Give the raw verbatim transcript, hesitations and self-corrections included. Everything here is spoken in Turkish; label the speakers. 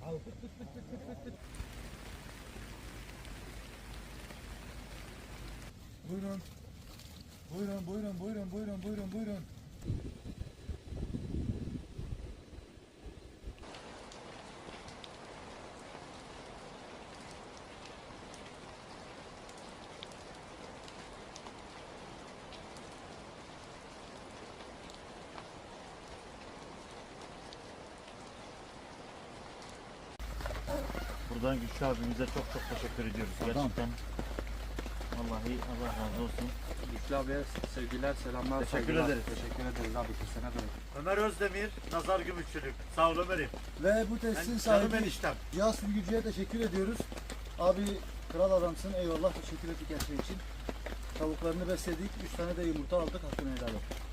Speaker 1: Buyurun. Buyurun, buyurun, buyurun, buyurun, buyurun, buyurun.
Speaker 2: Buradan Güçlü abimize çok çok teşekkür ediyoruz. Gerçekten. Vallahi Allah razı olsun.
Speaker 3: Güçlü abiye sevgiler, selamlar.
Speaker 2: Teşekkür
Speaker 3: saygılar.
Speaker 2: ederiz.
Speaker 3: Teşekkür ederiz abi. Kesene bereket.
Speaker 2: Ömer Özdemir, Nazar Gümüşçülük. Sağ ol Ömer'im.
Speaker 1: Ve bu testin
Speaker 2: Ben canım
Speaker 1: sahibi
Speaker 2: eniştem.
Speaker 1: Yas Sürgücü'ye teşekkür ediyoruz. Abi kral adamsın. Eyvallah, teşekkür ettik her şey için. Tavuklarını besledik. Üç tane de yumurta aldık. Hakkını helal et.